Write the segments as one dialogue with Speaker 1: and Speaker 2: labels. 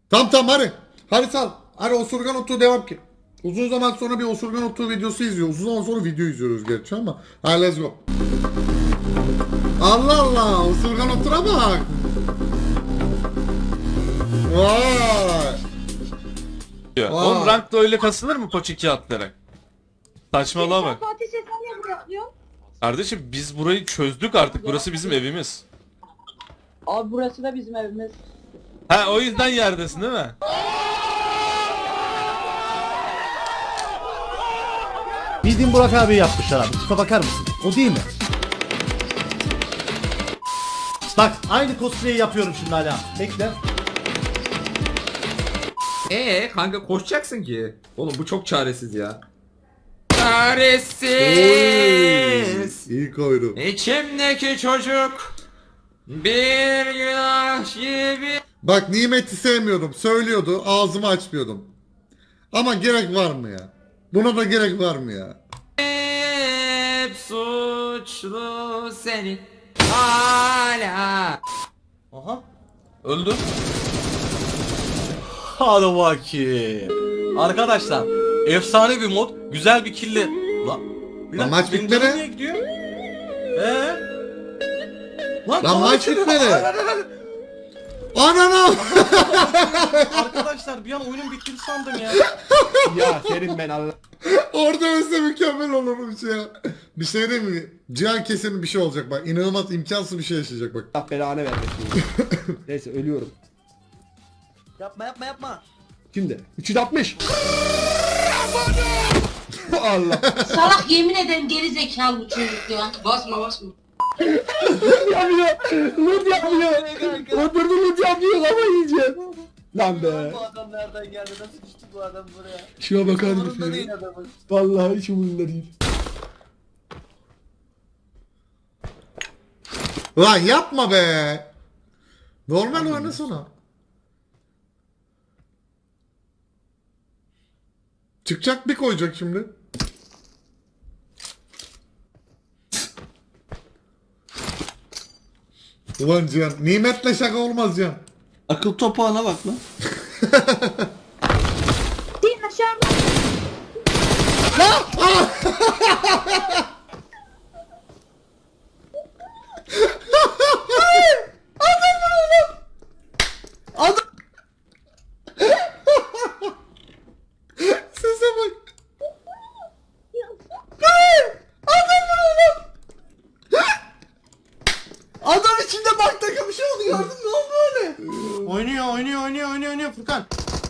Speaker 1: Tamam tamam hadi. Hadi sal. Hadi osurgan otu devam ki. Uzun zaman sonra bir osurgan otu videosu izliyoruz. Uzun zaman sonra video izliyoruz gerçi ama. Hadi let's go. Allah Allah. Osurgan otura bak. Vay.
Speaker 2: Oğlum rankta öyle kasılır mı koç 2 atlayarak? Saçmalığa bak.
Speaker 3: Fatih sen niye buraya atlıyorsun?
Speaker 2: Kardeşim biz burayı çözdük artık. Burası bizim evimiz.
Speaker 4: Abi burası da bizim evimiz.
Speaker 2: Ha o yüzden yerdesin değil mi?
Speaker 5: Bildiğin Burak abi yapmışlar abi. Tipe bakar mısın? O değil mi? Bak aynı cosplay'i yapıyorum şimdi hala. Bekle.
Speaker 6: Kanka koşacaksın ki. Oğlum bu çok çaresiz ya.
Speaker 1: Oy,
Speaker 6: Çaresiz.
Speaker 1: İyi koydu.
Speaker 6: İçimdeki çocuk bir günah gibi.
Speaker 1: Bak Nimet'i sevmiyordum. Söylüyordu. Ağzımı açmıyordum. Ama gerek var mı ya? Buna da gerek var mı ya?
Speaker 6: Hep suçlu senin hala.
Speaker 2: Aha. Öldü.
Speaker 5: Hadi bakayım. Arkadaşlar efsane bir mod. Güzel bir killi.
Speaker 1: Lan maç bitmedi.
Speaker 5: Niye gidiyor?
Speaker 1: Lan maç bitmedi. Anana.
Speaker 5: Arkadaşlar bir an oyunun bittiğini sandım ya.
Speaker 7: Ya senin ben Allah
Speaker 1: Orada ölse mükemmel olurmuş ya. Bir şey değil mi? Cihan kesin bir şey olacak bak. İnanılmaz imkansız bir şey yaşayacak bak.
Speaker 7: belanı vermesin. Neyse ölüyorum.
Speaker 5: Yapma.
Speaker 7: Şimdi 360. Allah.
Speaker 3: Salak yemin ederim geri zekalı bu çocuk ya. Basma.
Speaker 7: Yapıyor. Loot yapıyor. Oturdu loot yapıyor ama yiyeceğim. Lan be.
Speaker 4: Bu adam nereden geldi? Nasıl düştü bu adam buraya?
Speaker 7: Şuna bakar
Speaker 4: Umurunda
Speaker 7: mısın
Speaker 4: değil
Speaker 7: ya?
Speaker 4: adamın.
Speaker 7: Vallahi hiç umurumda değil.
Speaker 1: Lan yapma be. Normal oynasana. Çıkacak bir koyacak şimdi. Ulan Cihan. Nimetle şaka olmaz Cihan.
Speaker 5: Akıl topağına bak lan.
Speaker 3: Din aşağı.
Speaker 1: Sese bak.
Speaker 5: Adam içinde bak takım bir şey oldu gördün mü? Ne oldu öyle? Oynuyor Furkan.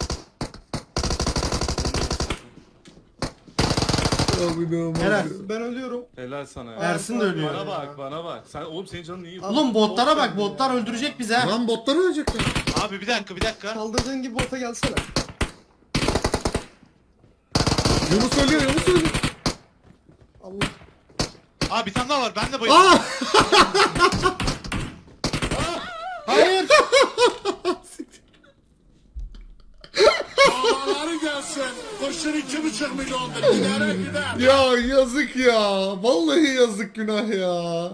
Speaker 1: Abi ne olmaz
Speaker 5: Helal.
Speaker 1: ya.
Speaker 7: Ben ölüyorum.
Speaker 2: Helal sana ya.
Speaker 5: Ersin de ölüyor.
Speaker 2: Bana bak. Sen oğlum senin canın iyi.
Speaker 5: Oğlum botlara bak, botlar öldürecek bizi ha.
Speaker 1: Lan botlar ölecekler.
Speaker 8: Abi bir dakika.
Speaker 7: Saldırdığın gibi bota gelsene.
Speaker 1: Yunus ölüyor.
Speaker 7: Allah.
Speaker 8: Abi bir tane daha var. Ben de bayıldım.
Speaker 1: Aa!
Speaker 5: Hayır.
Speaker 1: Ya yazık ya. Vallahi yazık günah ya.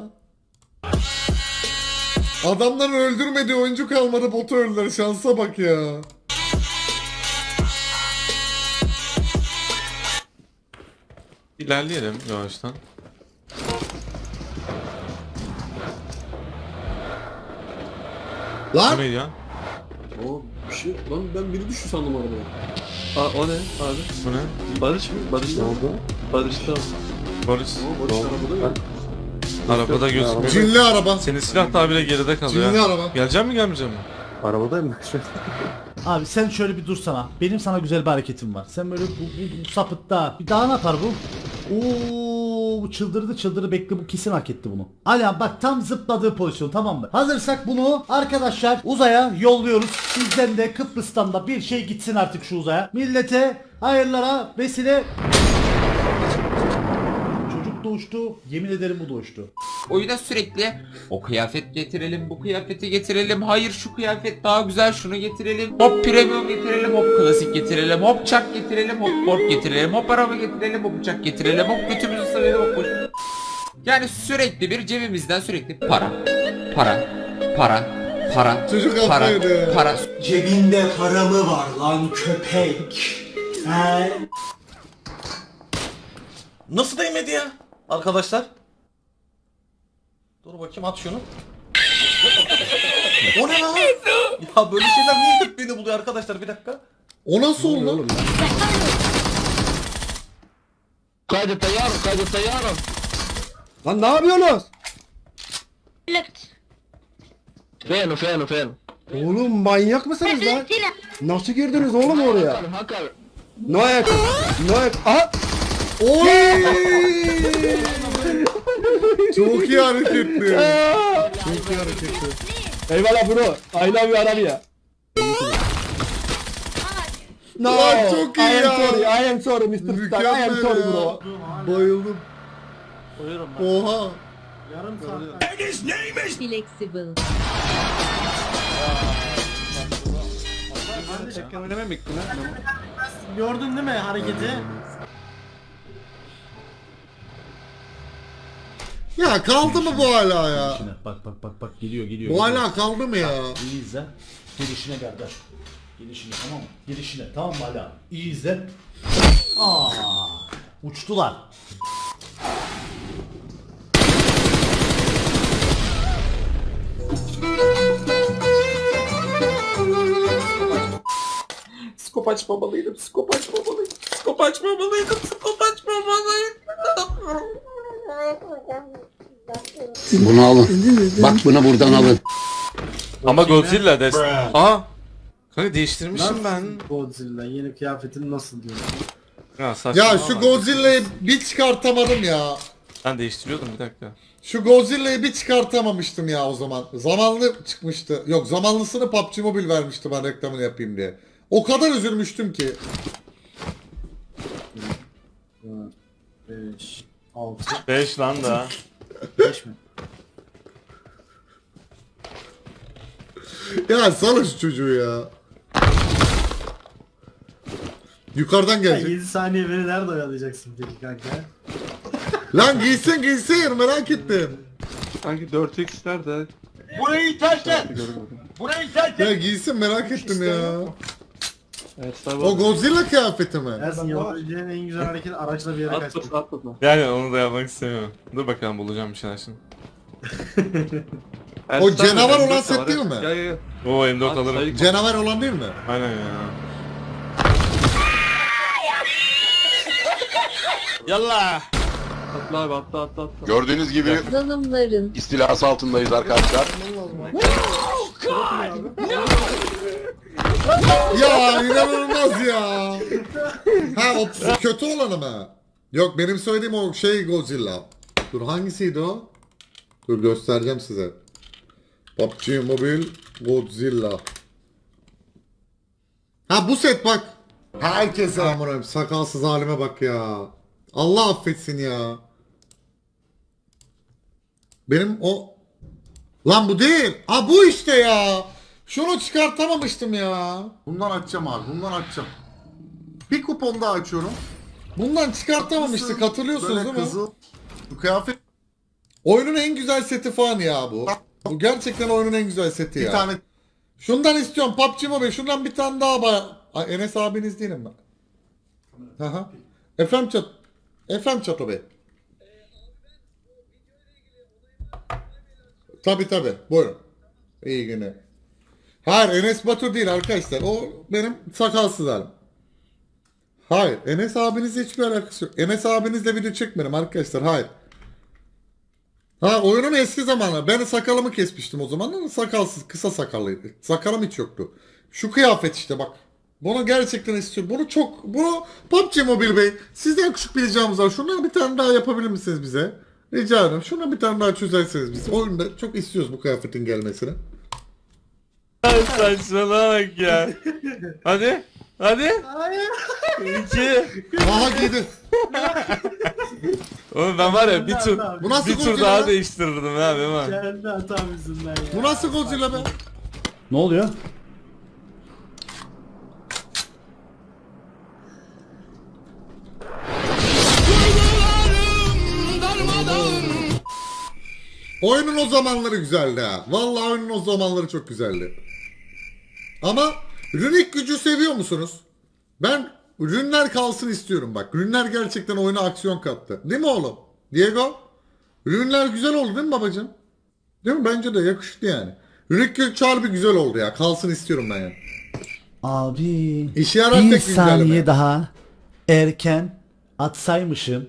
Speaker 1: Adamların öldürmediği oyuncu kalmadı, botu öldüler. Şansa bak ya.
Speaker 2: İlerleyelim yavaştan.
Speaker 1: Lan
Speaker 2: Bu neydi ya?
Speaker 7: O bir şey lan ben biri düştü sandım arabaya.
Speaker 5: O ne abi?
Speaker 2: Bu ne?
Speaker 5: Barış mı? Barış ne oldu? Barış da.
Speaker 2: Barış.
Speaker 7: Ama Barış arabada yok.
Speaker 2: Arabada gözükmüyor.
Speaker 1: cinli araba.
Speaker 2: Senin silah daha bile geride kalıyor.
Speaker 1: Cinli
Speaker 2: ha.
Speaker 1: araba.
Speaker 2: Gelecek mi gelmeyecek mi?
Speaker 5: Abi sen şöyle bir dursana. Benim sana güzel bir hareketim var. Sen böyle bu sapıtta. Bir daha ne yapar bu? Oo, bu çıldırdı bekle, bu kesin hak etti bunu. Ala bak tam zıpladığı pozisyon, tamam mı? Hazırsak bunu arkadaşlar uzaya yolluyoruz. Sizden de Kıbrıs'tan da bir şey gitsin artık şu uzaya. Millete hayırlara vesile. Çocuk doğuştu. Yemin ederim bu doğuştu.
Speaker 6: Oyuna sürekli o kıyafet getirelim, bu kıyafeti getirelim, hayır şu kıyafet daha güzel, şunu getirelim, hop premium getirelim, hop klasik getirelim, hop çak getirelim, hop board getirelim, hop araba getirelim, hop uçak getirelim, hop götümüzü sıvayalım, hop boş. Yani sürekli bir cebimizden sürekli para, Para.
Speaker 1: Çocuk
Speaker 6: Para.
Speaker 1: atlıyordu.
Speaker 6: Para.
Speaker 7: Cebinde para mı var lan köpek? He?
Speaker 9: Nasıl değmedi ya? Arkadaşlar. Dur bakayım at şunu. O ne lan? Ya böyle şeyler niye hep beni buluyor arkadaşlar bir dakika.
Speaker 1: O nasıl oldu?
Speaker 7: Lan ne yapıyorsunuz?
Speaker 3: Look.
Speaker 7: Oğlum manyak mısınız lan? Nasıl girdiniz oğlum oraya? No ayak. No ayak. Aha!
Speaker 1: Oy! Çok iyi hareketli. Çok iyi hareketli.
Speaker 7: Eyvallah bro. I love you Arabia. No,
Speaker 1: Lan çok iyi
Speaker 7: I am
Speaker 1: ya.
Speaker 7: sorry, I am sorry Mr. Star, I am
Speaker 1: Mükemmel
Speaker 7: sorry
Speaker 1: ya.
Speaker 7: bro.
Speaker 1: Bayıldım.
Speaker 5: Koyuyorum ben.
Speaker 1: Oha.
Speaker 5: Yarım saat.
Speaker 3: Flexible.
Speaker 5: Gördün değil mi hareketi?
Speaker 1: Ya kaldı mı bu hala ya?
Speaker 5: Bak geliyor geliyor.
Speaker 1: Bu hala kaldı mı ya?
Speaker 5: İyi izle. Gelişine kardeş. Gelişine tamam mı? Gelişine tamam mı hala? İyi izle. Uçtular.
Speaker 6: Skop açmamalıydım. Skop açmamalıydım. Skop açmamalıydım. Skop açmamalıydım.
Speaker 10: Bunu alın. Bak bunu buradan alın.
Speaker 2: Ama Godzilla des. Aa. Kanka değiştirmişim ben.
Speaker 5: Godzilla yeni kıyafetin nasıl diyor?
Speaker 2: Ya saçma.
Speaker 1: Ya şu Godzilla'yı bir çıkartamadım ya.
Speaker 2: Ben değiştiriyordum bir dakika.
Speaker 1: Şu Godzilla'yı bir çıkartamamıştım ya o zaman. Zamanlı çıkmıştı. Yok zamanlısını PUBG Mobile vermişti ben reklamını yapayım diye. O kadar üzülmüştüm ki.
Speaker 5: 5 6
Speaker 2: 5 lan da.
Speaker 5: 5 mi?
Speaker 1: Ya salın şu çocuğu ya. Yukarıdan gelecek.
Speaker 5: 7 saniye beni nerede oyalayacaksın peki kanka?
Speaker 1: Lan giysin merak ettim.
Speaker 8: Sanki 4x nerede?
Speaker 4: Burayı terk et. Burayı terk et.
Speaker 1: Ya giysin merak ettim ya.
Speaker 8: Evet,
Speaker 1: O Godzilla kıyafeti mi?
Speaker 5: Ersin yapabileceğin en güzel hareket araçla bir yere kaçmak.
Speaker 2: Yani onu da yapmak istemiyorum. Dur bakalım bulacağım bir şeyler şimdi.
Speaker 1: O canavar olan set değil mi?
Speaker 8: Ya.
Speaker 2: Oo M4 alırım.
Speaker 1: Canavar olan değil mi?
Speaker 2: Aynen ya. Yallah.
Speaker 8: Atla abi atla.
Speaker 10: Gördüğünüz gibi
Speaker 3: Zalımların.
Speaker 10: istilası altındayız arkadaşlar.
Speaker 1: Ya inanılmaz ya. Ha o kötü olanı mı? Yok benim söylediğim o şey Godzilla. Dur hangisiydi o? Dur göstereceğim size. PUBG Mobile Godzilla. Ha bu set bak. Herkese amınayım sakalsız halime bak ya. Allah affetsin ya. Benim o... Lan bu değil. Ha bu işte ya. Şunu çıkartamamıştım ya. Bundan açacağım abi. Bundan açacağım. Bir kupon daha açıyorum. Bundan çıkartamamıştık hatırlıyorsunuz değil mi? Bu kıyafet. Oyunun en güzel seti falan ya bu. Bu gerçekten oyunun en güzel seti ya. Bir tane. Şundan istiyorum PUBG Mobile. Şundan bir tane daha Ay, Enes abiniz değilim ben. Aha. Efendim Çato Bey. Tabi buyurun. İyi günler. Hayır Enes Batur değil arkadaşlar. O benim sakalsız halim. Hayır Enes abinizle hiçbir alakası yok. Enes abinizle video çekmedim arkadaşlar. Hayır. Ha oyunun eski zamanlar. Ben sakalımı kesmiştim o zaman. Sakalsız kısa sakallıydı. Sakalım hiç yoktu. Şu kıyafet işte bak. Bunu gerçekten istiyorum. Bunu PUBG Mobile Bey sizden küçük bir ricamız var. Şundan bir tane daha yapabilir misiniz bize? Rica ederim. Şundan bir tane daha çözerseniz biz. Oyunda çok istiyoruz bu kıyafetin gelmesini.
Speaker 2: Saçmalama bak ya. Hadi.
Speaker 5: Hayır.
Speaker 2: 2.
Speaker 1: Aha giydi.
Speaker 2: Oğlum ben var ya
Speaker 1: Bu nasıl
Speaker 2: bir tur
Speaker 1: Godzilla
Speaker 2: daha
Speaker 1: lan?
Speaker 2: değiştirirdim ha değil mi?
Speaker 5: Kendi hatam yüzünden ya.
Speaker 1: Bu nasıl Godzilla be?
Speaker 5: Ne oluyor?
Speaker 1: Oyunun o zamanları güzeldi ha. Vallahi oyunun o zamanları çok güzeldi. Ama runik gücü seviyor musunuz? Ben ürünler kalsın istiyorum bak. Ürünler gerçekten oyuna aksiyon kattı. Değil mi oğlum? Diego? Ürünler güzel oldu değil mi babacığım? Değil mi? Bence de yakıştı yani. Runik gücü harbi güzel oldu ya. Kalsın istiyorum ben yani.
Speaker 5: Abi
Speaker 1: İşe yarar
Speaker 5: bir
Speaker 1: tek güncelleme.
Speaker 5: saniye daha erken atsaymışım.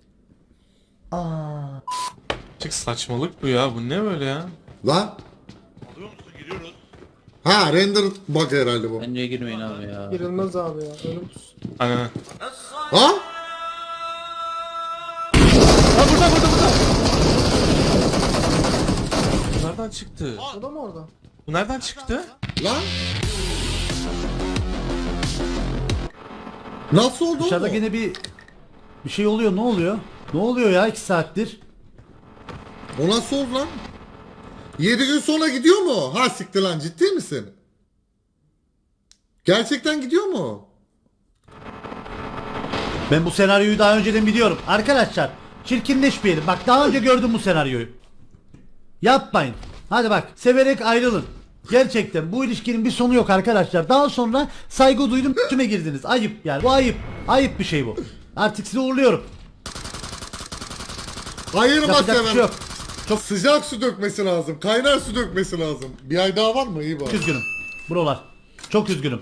Speaker 2: Çık saçmalık bu ya. Bu ne böyle ya?
Speaker 1: Lan. Ha render bug herhalde bu.
Speaker 9: Bence girmeyin abi ya.
Speaker 8: Girilmez abi ya. Ölümsüz.
Speaker 2: Aynen.
Speaker 1: Ha?
Speaker 2: Bu nereden çıktı?
Speaker 8: O da mı orada?
Speaker 2: Bu nereden çıktı?
Speaker 1: Lan. Nasıl oldu
Speaker 5: Dışarıda
Speaker 1: o?
Speaker 5: gene bir şey oluyor. Ne oluyor? Ne oluyor ya 2 saattir?
Speaker 1: O nasıl oldu lan? 7 gün sonra gidiyor mu? Ha siktir lan, ciddi misin? Gerçekten gidiyor mu?
Speaker 5: Ben bu senaryoyu daha önceden biliyorum. Arkadaşlar çirkinleşmeyelim. Bak daha önce gördüm bu senaryoyu. Yapmayın. Hadi bak severek ayrılın. Gerçekten bu ilişkinin bir sonu yok arkadaşlar. Daha sonra saygı duydum üstüme girdiniz. Ayıp yani bu ayıp. Ayıp bir şey bu. Artık sizi uğurluyorum.
Speaker 1: Ayırma
Speaker 5: Yapacak bir
Speaker 1: seven.
Speaker 5: şey yok.
Speaker 1: Çok sıcak su dökmesi lazım. Kaynar su dökmesi lazım. Bir ay daha var mı? İyi bak.
Speaker 5: Üzgünüm. Buralar. Çok üzgünüm.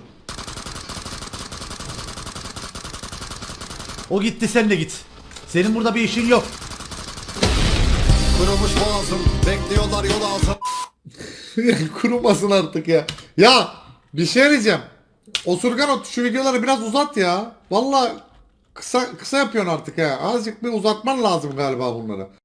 Speaker 5: O gitti sen de git. Senin burada bir işin yok.
Speaker 10: Kırılmış boğazım. Bekliyorlar yol altı.
Speaker 1: Kurumasın artık ya. Ya bir şey diyeceğim. Osurgan şu videoları biraz uzat ya. Vallahi kısa yapıyorsun artık ya. Azıcık bir uzatman lazım galiba bunları.